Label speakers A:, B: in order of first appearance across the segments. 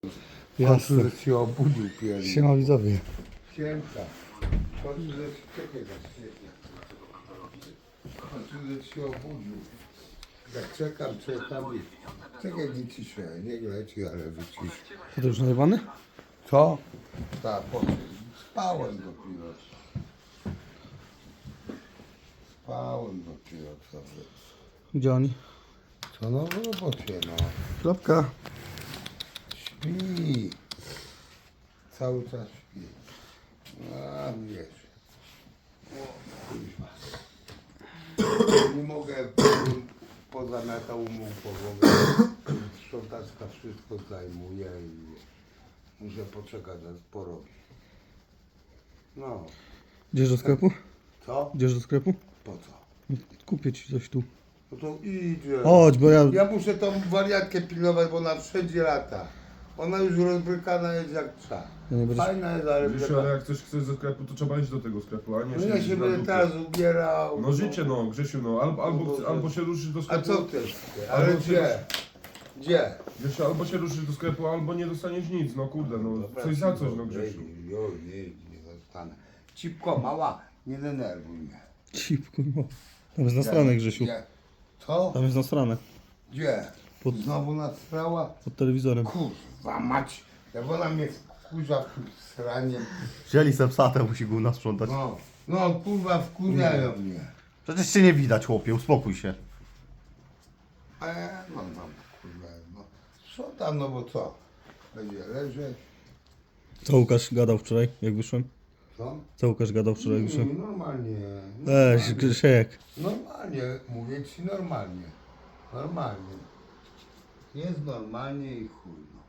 A: Jasne.
B: Że się obudził pierwszy.
A: Siema widzowie.
B: Siemka. Chodź, że czekaj na świetnie. Chodź, że się obudził. Jak czekam i... Czekaj, wyciszę. Nie leci, ale wyciszę.
A: To już najebany?
B: Co? Tak, spałem dopiero. Spałem dopiero co.
A: Gdzie oni?
B: Co no w robocie, no.
A: Klapka.
B: Śpi. Cały czas śpi. A wiesz. O, kurwa. Nie mogę pozamiatał mu podłogę. Sprzątaczka wszystko zajmuje i muszę poczekać, aż porobi. No.
A: Idziesz do sklepu?
B: Co?
A: Idziesz do sklepu?
B: Po co?
A: Kupię ci coś tu.
B: No to idzie.
A: Chodź, bo ja...
B: Ja muszę tą wariatkę pilnować, bo ona wszędzie lata. Ona już rozbrykana jest jak trzeba.
A: Ja nie będę...
B: Fajna jest, ale
C: Wiesz, ale jak coś chcesz ze sklepu, to trzeba iść do tego sklepu, a nie
B: no ja
C: siedzieć
B: się
C: na
B: będę
C: dupie.
B: teraz ubierał.
C: No życie no, Grzesiu, no, albo się ruszysz do
B: A
C: sklepu,
B: co też? Ale
C: Albo
B: gdzie? Gdzie?
C: wiesz, albo się ruszysz do sklepu, albo nie dostaniesz nic, no kurde, no,
B: Dobra,
C: coś za coś,
B: cicho,
C: no Grzesiu.
B: nie dostanę. Cipko, mała, nie denerwuj mnie.
A: Cipku, no. Tam jest na stronę, Grzesiu.
B: Gdzie? Co?
A: Tam jest na stronę.
B: Gdzie?
A: Pod-
B: Znowu nastrała?
A: Pod telewizorem.
B: Kurwa mać. Jak ona mnie wkurza w tym sraniem.
D: Wzięli se psa, to musi gówna sprzątać.
B: No kurwa wkurzają mnie.
D: Przecież cię nie widać, chłopie, uspokój się.
B: No kurwa, no. Sprzątam, no bo co? Będzie leżeć.
A: Co Łukasz gadał wczoraj, jak wyszłem?
B: Co?
A: Co Łukasz gadał wczoraj, jak wyszłem?
B: Normalnie.
A: Weź, Grzesiek.
B: Normalnie, mówię ci normalnie. Normalnie. Jest normalnie i chuj. No.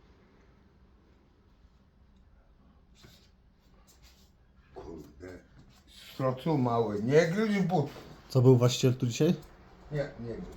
B: Kurde. Strocu mały. Nie gryź but.
A: Co był właściciel tu dzisiaj?
B: Nie, nie gryź.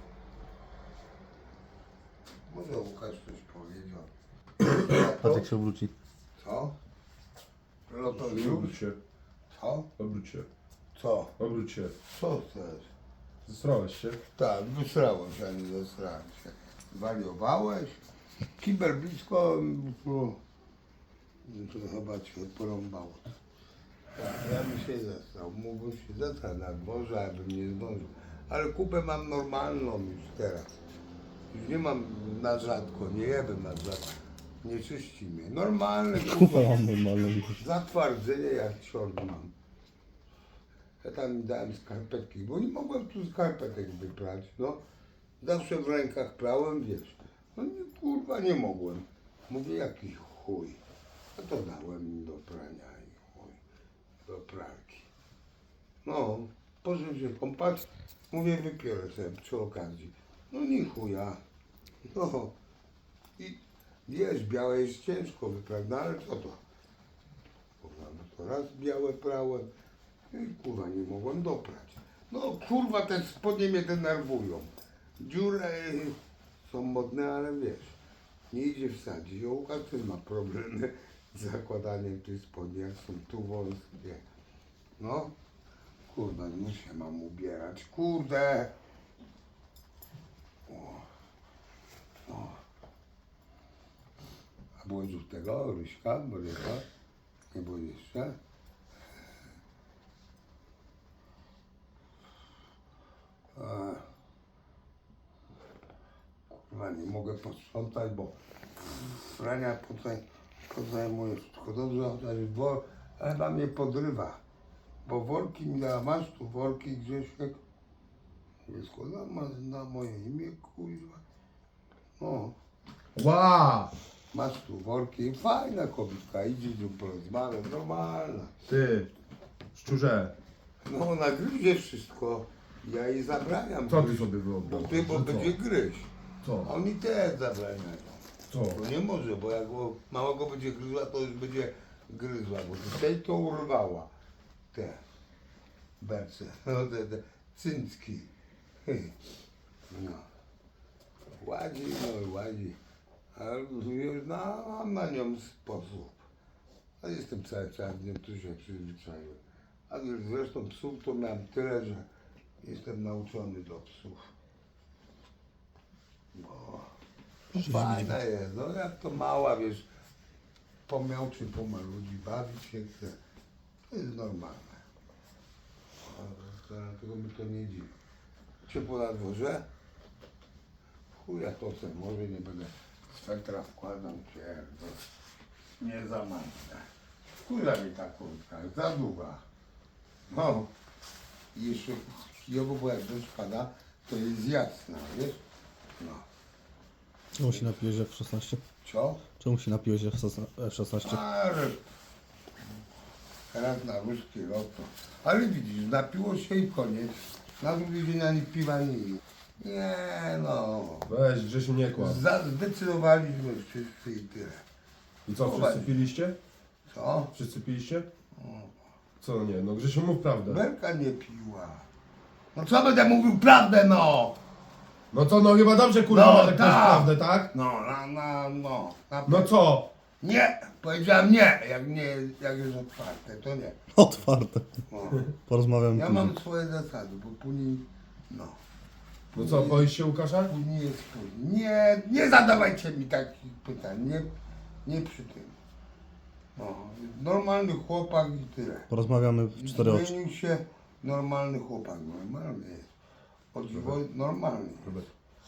B: Może Łukasz coś powiedział.
D: Patrz się wróci.
B: Co?
C: Obróć
B: Lotoriusz?
C: się,
B: Co?
C: obróć się,
B: Co?
C: obróć się.
B: Co chcesz?
C: Zestrałeś się?
B: Tak, wysrałem się, a nie zesrałem się. Wariowałeś? Kibel blisko, no, to chyba cię porąbało. Tak, ja bym się zesrał. Mógłbym się zesrać na dworze, ale bym nie zdążył. Ale kupę mam normalną już teraz. Już nie mam na rzadko, nie jebym na rzadko. Nie czyści mnie. Normalne
A: Kupa mam normalną.
B: zatwardzenie jak ciąg mam. Ja tam mi dałem skarpetki, bo nie mogłem tu skarpetek wyprać, no. Zawsze w rękach prałem, wiesz. No nie, kurwa, nie mogłem. Mówię, jakiś chuj. A to dałem im do prania i chuj. Do pralki. No, poszedłem się kąpać. Mówię, wypiorę sobie przy okazji. No nie chuja. No. I wiesz, białe jest ciężko wyprać, no ale co to? Kurwa, no to raz białe prałem. I kurwa, nie mogłem doprać. No kurwa, te spodnie mnie denerwują. Dziury są modne, ale wiesz, nie idzie wsadzić. Łukasz też ma problemy z zakładaniem tych spodni, jak są tu wąskie. No, kurwa, no się mam ubierać. Kurde! O. A było już tego, Ryśka, Boryka? Nie było jeszcze? Kurwa, nie mogę posprzątać, bo frania pozajmuje wszystko. Dobrze, chociaż ale na mnie podrywa. Bo worki mi dała, masz tu worki, Grzesiek? Wszystko na moje imię, kurwa. No,
C: Ła!
B: masz tu worki, fajna kobitka, idzie tu porozmawiać, normalna.
C: Ty, szczurze,
B: No, ona gryzie wszystko, ja jej zabraniam.
C: co ty
B: gryźć.
C: sobie
B: Bo
C: wyobrażasz?
B: ty, bo
C: Że
B: będzie gryźć.
C: Co?
B: A oni też zabraniają.
C: Co?
B: To nie może, bo jak mała go będzie gryzła, to już będzie gryzła, bo tutaj to urwała. Te berce, no te cyncki. No. Ładzi, no i ładzi. Ale już mam na nią sposób. A jestem cały czas z nią, tu się przyzwyczaiłem. A zresztą psów to miałem tyle, że jestem nauczony do psów. Bo Fajna jest, no jak to mała, wiesz, pomiał czy pomaludzi, bawić się chce. To jest normalne. Dlatego mi to nie dziwi. Ciepło na dworze? Chuja to se może nie będę swetra wkładał, pierdol. Nie za mocne. Chuja mi ta kurtka, za długa. No. I jeszcze chujowo, bo jak deszcz pada, to jest jasna, wiesz? No.
A: Czemu się napiłeś F16?
B: Co?
A: Czemu się napiłeś F16?
B: Ale teraz na ruski loto. Ale widzisz, napiło się i koniec. Na drugi dzień ani piwa nie pił. Nie no.
C: Weź, Grzesiu, nie kłam.
B: Zdecydowaliśmy wszyscy i tyle.
C: I co, wszyscy piliście?
B: Co?
C: Wszyscy piliście? Co nie? No Grzesiu, mów prawdę.
B: Berka nie piła. No co będę mówił prawdę, no?
C: No co, no chyba dobrze, kurwa,
B: No,
C: że ktoś
B: tak.
C: prawdę, tak?
B: No.
C: No co?
B: Nie, powiedziałem nie. Jak jest otwarte, to nie.
A: Otwarte.
B: No.
A: Porozmawiamy
B: Ja
A: później.
B: mam swoje zasady, bo później, no.
C: No co, boisz się Łukasza?
B: Później jest później. Nie zadawajcie mi takich pytań, nie przy tym. No, normalny chłopak i tyle.
A: Porozmawiamy w 4 oczy.
B: Zmienił się normalny chłopak, normalny jest. O dziwo, normalny jest.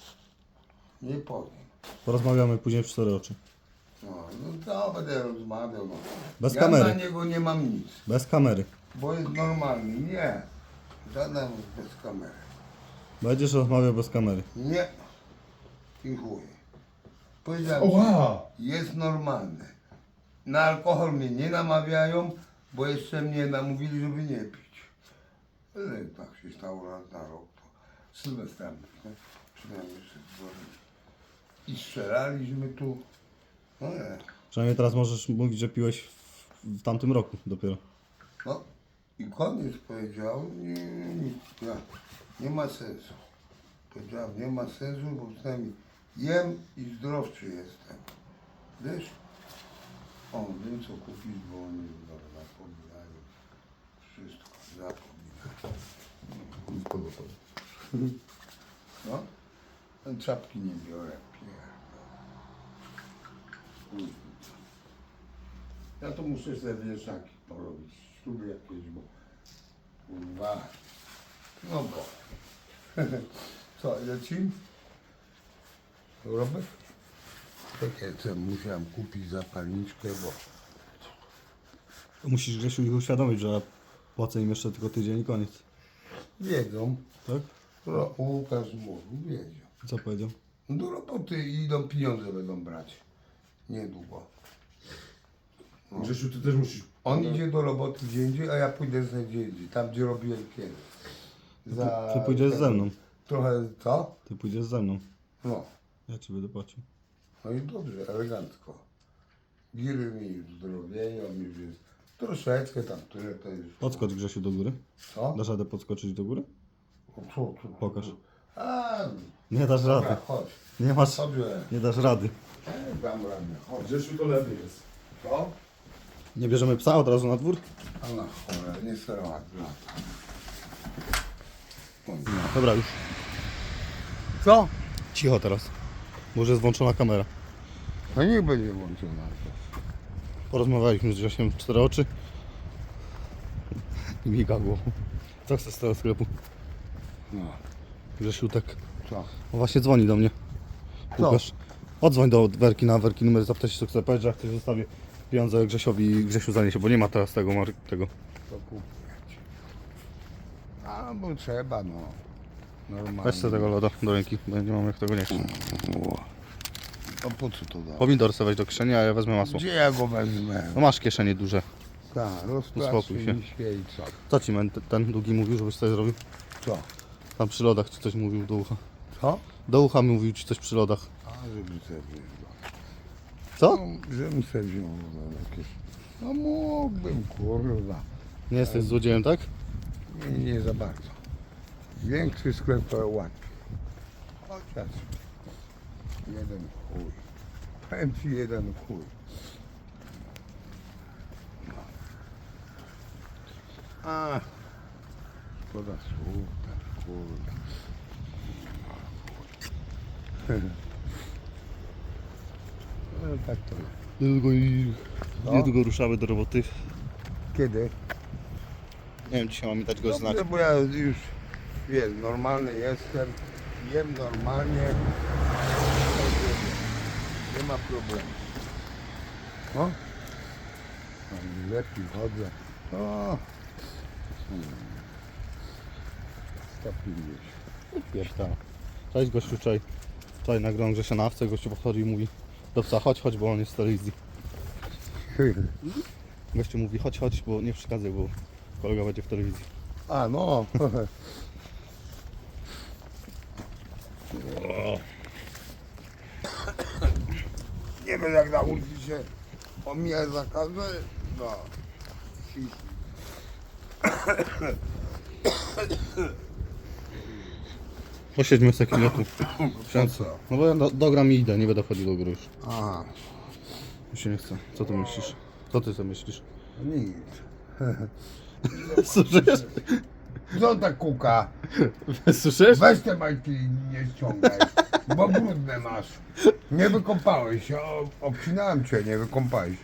B: Nie powiem.
A: Porozmawiamy później w 4 oczy.
B: No to będę rozmawiał. No.
A: Bez
B: ja
A: kamery.
B: na niego nie mam nic,
A: Bez kamery.
B: bo jest normalny. Nie, żaden bez kamery.
A: Będziesz rozmawiał bez kamery.
B: Nie. I chuj. Powiedziałem,
C: Oła!
B: jest normalny. Na alkohol mnie nie namawiają, bo jeszcze mnie namówili, żeby nie pić. Ale tak się stało raz na rok. To Sylwestra, nie? Przynajmniej jeszcze w dworze. I strzelaliśmy tu. No nie.
A: Przynajmniej teraz możesz mówić, że piłeś w tamtym roku dopiero.
B: No i koniec powiedział, nie ma sensu. Powiedziałem, nie ma sensu, bo przynajmniej jem i zdrowszy jestem. Wiesz? O, wiem co kupić, bo oni zapominają. Wszystko zapominają. No, ten czapki nie biorę, pierdol. Ja to muszę sobie wieszaki porobić, śruby jakieś, bo kurwa, no bo. Co, lecimy? Robert? Takie co musiałem kupić zapalniczkę, bo
A: Musisz Grzesiu ich uświadomić, że płacę im jeszcze tylko tydzień i koniec.
B: wiedzą.
A: Tak?
B: Łukasz mówił, wiedzą.
A: Co powiedział?
B: No do roboty idą, pieniądze będą brać. Niedługo.
C: Grzesiu, ty też musisz...
B: On idzie do roboty gdzie indziej, a ja pójdę sobie gdzie indziej, tam gdzie robiłem kiedyś.
A: Ty pójdziesz ze mną.
B: Trochę co?
A: Ty pójdziesz ze mną.
B: No.
A: Ja ci będę płacił.
B: No i dobrze, elegancko. Giry mi już zdrowieją, już jest troszeczkę tam, tyle to już.
A: Podskocz Grzesiu do góry.
B: Co?
A: Dasz radę podskoczyć do góry?
B: Co?
A: Pokaż.
B: A,
A: Nie dasz
B: dobra,
A: rady.
B: chodź.
A: Nie masz.
B: Dobrze.
A: Nie dasz rady.
B: Dam radę, chodź.
C: Grzesiu, to lepiej jest.
B: Co?
A: Nie bierzemy psa od razu na dwór?
B: A na chore, nie serowat lata.
A: Dobra, już.
B: Co?
A: Cicho teraz. Może jest włączona kamera.
B: No niech będzie włączona.
A: Porozmawialiśmy z Grzesiem w 4 oczy. I miga głową. Co chcesz z tego sklepu?
B: No,
A: Grzesiu tak.
B: co?
A: O, właśnie dzwoni do mnie.
B: Co?
A: Łukasz. Odzwoń do Werki na Werki numer, zapytaj się co chce powiedzieć, że jak ktoś zostawię pieniądze Grzesiowi i Grzesiu zaniesie, bo nie ma teraz tego.
B: To kupić. A, bo trzeba, no. Normalnie.
A: Weź sobie tego loda do ręki, bo nie mam jak tego nieść.
B: A po co to da?
A: Pomidor sobie weź do kieszeni, a ja wezmę masło.
B: Gdzie ja go wezmę?
A: No masz kieszenie duże.
B: Tak,
A: Uspokój
B: rozpracuj
A: się.
B: mi się i co?
A: Co ci ten długi mówił, żebyś coś zrobił?
B: Co?
A: Tam przy lodach ci coś mówił do ucha.
B: Co?
A: Do ucha mówił ci coś przy lodach.
B: A, żeby sobie wziął.
A: Co?
B: No, żebym sobie wziął jakieś. No mógłbym, kurwa.
A: Nie jesteś złodziejem, tak?
B: Nie za bardzo. Większy sklep to łatwiej. Chociaż jeden chuj. Powiem ci jeden chuj. A, szkoda słów, tak kurwa. No tak to jest.
A: Niedługo ruszamy do roboty.
B: Kiedy?
A: Nie wiem, dzisiaj mamy dać go znać.
B: Dobrze, bo ja już, wiesz, normalny jestem, jem normalnie. Nie ma problemu. No? Lepiej chodzę. O! 150.
A: Wiesz, tak. Cześć gościu, wczoraj nagrałem Grzesia na awce, gościu podchodzi i mówi do psa, chodź, bo on jest w telewizji. Gościu mówi, chodź, bo nie przeszkadzaj, bo kolega będzie w telewizji.
B: A no. Nie wiem jak nauczyć się omijać zakazy. No.
A: Posiedźmy w takim lotu.
B: Po co?
A: No bo ja dogram i idę, nie będę chodził do góry już.
B: Aha,
A: Mi się nie chce. Co ty myślisz? Co ty sobie myślisz?
B: nic.
A: Słyszysz?
B: Co ta kuka?
A: Słyszysz?
B: Weź te majtki i nie ściągaj, bo brudne masz. Nie wykąpałeś się, obcinałem cię, nie wykąpałeś.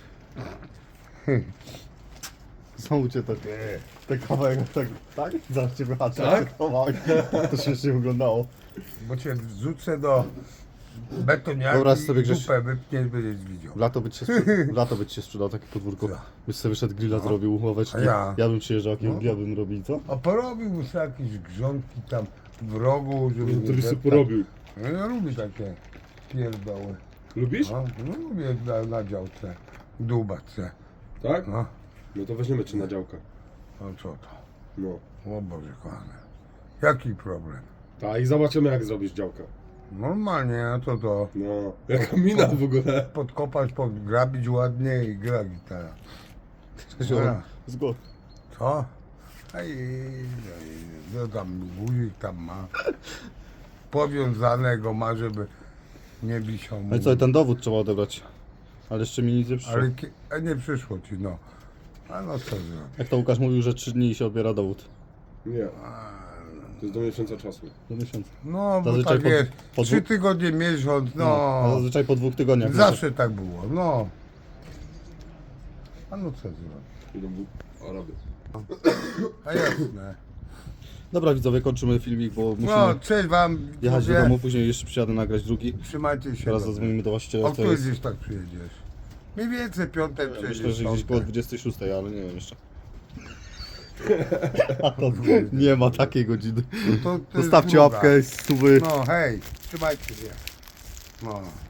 A: Znowu cię te kawałek tak? Zaraz cię wyhaczę.
C: Tak?
A: To śmiesznie wyglądało.
B: Bo cię wrzucę do betoniarki
A: Wyobraź sobie,
B: i
A: Grześ-
B: dupę wypniesz, będziesz widział.
A: W lato by ci się sprzedał takie podwórko.
B: Co?
A: Byś sobie wyszedł grilla zrobił, ławeczki.
B: A ja?
A: Ja bym przyjeżdżał, jakiego
B: No.
A: grilla bym robił, co?
B: A porobił sobie jakieś grządki tam w rogu, żeby nie
C: To byś sobie
B: deptać.
C: porobił.
B: No ja lubię takie pierdoły.
C: Lubisz?
B: No lubię na działce dłubać se.
C: Tak?
B: No,
C: No to weźmiemy cię na działkę.
B: no co to?
C: No.
B: O Boże kochany. Jaki problem?
C: Tak, i zobaczymy jak zrobisz działkę.
B: Normalnie, a to to.
C: No. Jaka mina w ogóle.
B: Podkopać, podgrabić ładnie i gra gitara. Dobra.
A: Zgod.
B: Co? Ej, no tam guzik tam ma. Powiązanego ma, żeby nie wisiał mu.
A: No i co, i ten dowód trzeba odebrać. Ale jeszcze mi nic nie przyszło.
B: Ale nie przyszło ci, no. A no co zrobić?
A: Jak to Łukasz mówił, że 3 dni się odbiera dowód.
C: Nie. To jest do miesiąca czasu.
A: Do miesiąca.
B: No, bo
A: Zazwyczaj
B: tak jest.
A: po
B: 3
A: dwóch-
B: tygodnie, miesiąc,
A: A
B: no.
A: zazwyczaj po 2 tygodniach.
B: Zawsze tak było, no. A no co zrobić?
C: Idą Araby.
B: A jasne.
A: Dobra widzowie, kończymy filmik, bo musimy
B: No, cześć wam.
A: jechać do
B: widzowie.
A: domu, później jeszcze przyjadę nagrać drugi.
B: Trzymajcie się.
A: Teraz
B: dobrze.
A: zadzwonimy do właściciela,
B: O
A: to
B: której
A: jest...
B: gdzieś tak przyjedziesz? Mniej więcej piątek
A: Myślę,
B: przyjedziesz.
A: że gdzieś
B: piątek.
A: koło 26, ale nie wiem jeszcze. A to nie ma takiej godziny.
B: To jest
A: Zostawcie
B: druga.
A: łapkę, suby.
B: No hej, trzymajcie się. No.